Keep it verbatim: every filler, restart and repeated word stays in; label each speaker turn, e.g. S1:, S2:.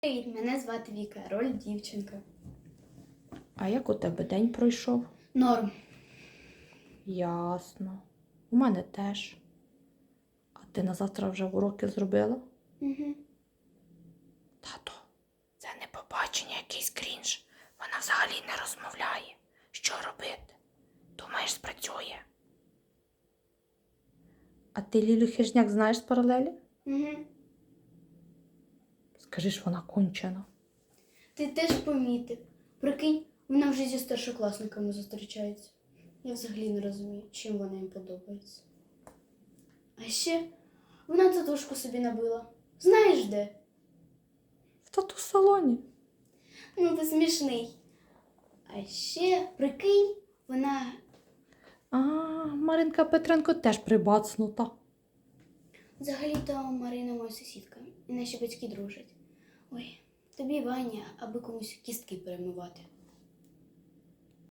S1: Привіт, мене звати Віка, роль дівчинка.
S2: А як у тебе день пройшов?
S1: Норм.
S2: Ясно. У мене теж. А ти на завтра вже уроки зробила?
S1: Угу.
S2: Тато, це не побачення, якийсь крінж. Вона взагалі не розмовляє. Що робити? Думаєш, спрацює? А ти Лілю Хижняк знаєш з паралелі?
S1: Угу.
S2: Скажи ж, вона кончена.
S1: Ти теж помітив. Прикинь, вона вже зі старшокласниками зустрічається. Я взагалі не розумію, чим вона їм подобається. А ще вона татушку собі набила. Знаєш де?
S2: В тату-салоні.
S1: Ну, ти смішний. А ще, прикинь, вона...
S2: А, Маринка Петренко теж прибацнута.
S1: Взагалі-то Марина моя сусідка, і наші батьки дружать. Ой, тобі, Ваня, аби комусь кістки перемивати.